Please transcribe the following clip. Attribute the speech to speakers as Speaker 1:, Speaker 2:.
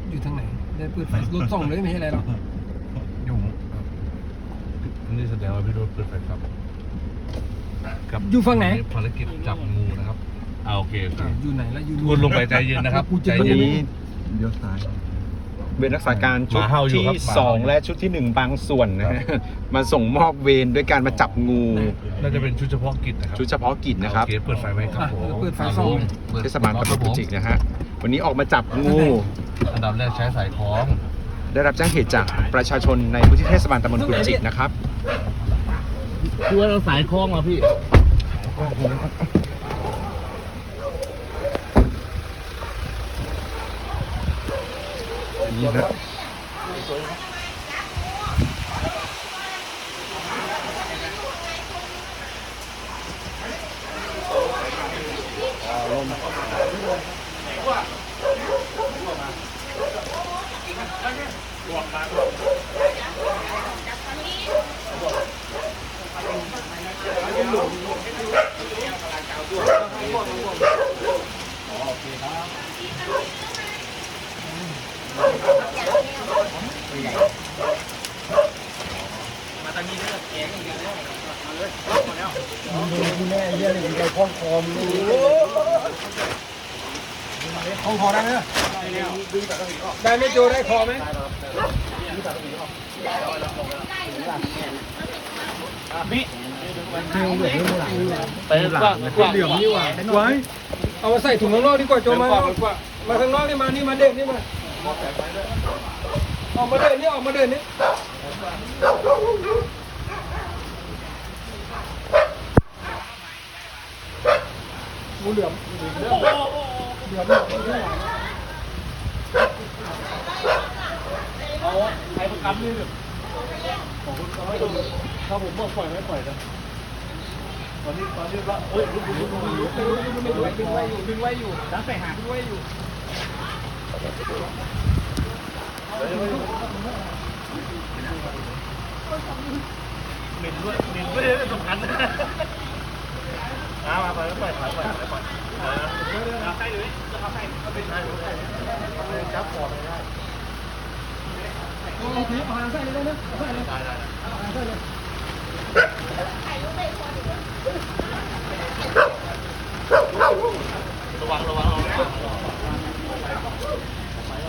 Speaker 1: อยู่ทางไหนได้เปิดไฟรถส่องเลยไม่ใช่อะไรหรอก
Speaker 2: อยู่นี่แสดงว่าพี่รถเปิดไฟครับ
Speaker 1: อยู่ฝั่งไหน
Speaker 2: ภารกิจจับงูนะครับโอเค
Speaker 1: อยู่ไหนแล้วอยู่
Speaker 2: คุณลงไปใจเย็นนะครับใจเย็น
Speaker 3: เลี้ยวซ้ายเวรรักษาการชุดที่2และชุดที่1บางส่วนนะฮะมาส่งมอบเวรด้วยการมาจับงู
Speaker 2: น่าจะเป็นชุดเฉพาะกิจนะครับ
Speaker 3: ชุดเฉพาะกิจนะครับ
Speaker 2: เปิดไฟไว้ครับผม
Speaker 1: เปิดไฟส่อง
Speaker 3: เทศบาลตำบลกุจิกนะฮะวันนี้ออกมาจับงู
Speaker 2: อันดับแรกใช้สายคล้อง
Speaker 3: ได้รับแจ้งเหตุจากประชาชนในพื้นที่เทศบาลตำบลกุจิกนะครับ
Speaker 2: คือว่าเราสายคล้องเหรอพี่
Speaker 3: นี่นะ
Speaker 1: มาตอนนี้เลือกแกงอย่างเดียวมาเลยมาแล้วดูแน่เรื่องนี้ได้คล้องคอมคล้องคอได้ไหมได้ไม่โจได้คอไหมพี่ไปกว้างเหลี่ยมนี่หว่าไว้เอามาใส่ถุงข้างนอกดีกว่าโจมาข้างนอกนี่มานี่มาเด่นนี่มาออกมาเดินนี่ออกมาเดินนี่งูเหลือมเอาใครประกันนี่ของคุณเขาไม่ดูถ้าผมบอกปล่อยไม่ปล่อยนะตอนนี้ว่าเอ้ยดึงไว้อยู่ดันไปหาดึงไว้อยู่เหม็นด้วยสำคัญมาไปแล้วปล่อยเอาใส่เลยจะเอาใส่ก็เป็นได้จับคอไม่ได้โอเคเอาหางใส่เลยนะใส่เลยได้เอาหางใส่เลยระวัง